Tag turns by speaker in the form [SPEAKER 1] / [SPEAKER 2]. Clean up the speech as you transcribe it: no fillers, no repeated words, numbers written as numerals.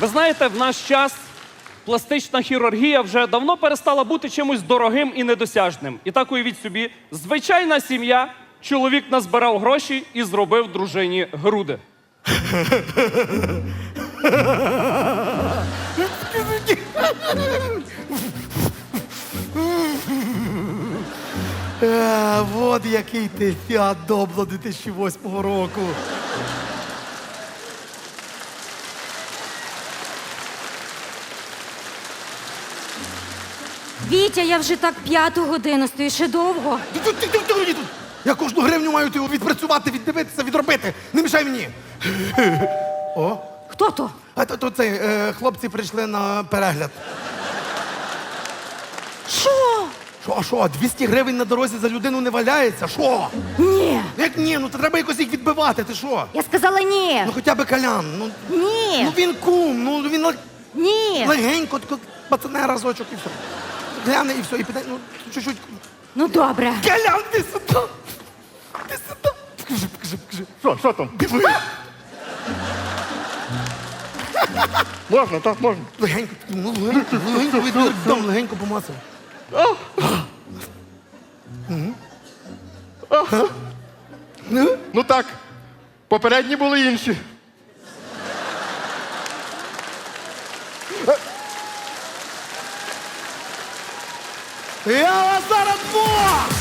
[SPEAKER 1] Ви знаєте, в наш час пластична хірургія вже давно перестала бути чимось дорогим і недосяжним. І так уявіть собі, звичайна сім'я, чоловік назбирав гроші і зробив дружині груди.
[SPEAKER 2] Вот який ти Фіат Добло 2008 року.
[SPEAKER 3] Вітя, я вже так 5-ту годину стою, ще довго.
[SPEAKER 2] Я кожну гривню маю відпрацювати, віддивитися, відробити. Не мішай мені. О,
[SPEAKER 3] Хто то?
[SPEAKER 2] а то цей, хлопці прийшли на перегляд.
[SPEAKER 3] Що?
[SPEAKER 2] Що, 200 гривень на дорозі за людину не валяється? Що?
[SPEAKER 3] Ні.
[SPEAKER 2] Як ні? Ну то треба якось їх відбивати, ти що?
[SPEAKER 3] Я сказала ні.
[SPEAKER 2] Ну хоча б Колян,
[SPEAKER 3] Ні.
[SPEAKER 2] ну він кум, ну він
[SPEAKER 3] Ні.
[SPEAKER 2] легенько, тако пацане разочок і все. Гляне і все, і піде, ну чуть-чуть.
[SPEAKER 3] Ну добре.
[SPEAKER 2] Колян, ти сюди! Ти сюди! Покажи.
[SPEAKER 4] Що там?
[SPEAKER 2] Диви!
[SPEAKER 4] Можна, так, можна.
[SPEAKER 2] Легенько, ну легенько помацав.
[SPEAKER 4] Ну так, попередні були інші.
[SPEAKER 2] Я вас зараз двох!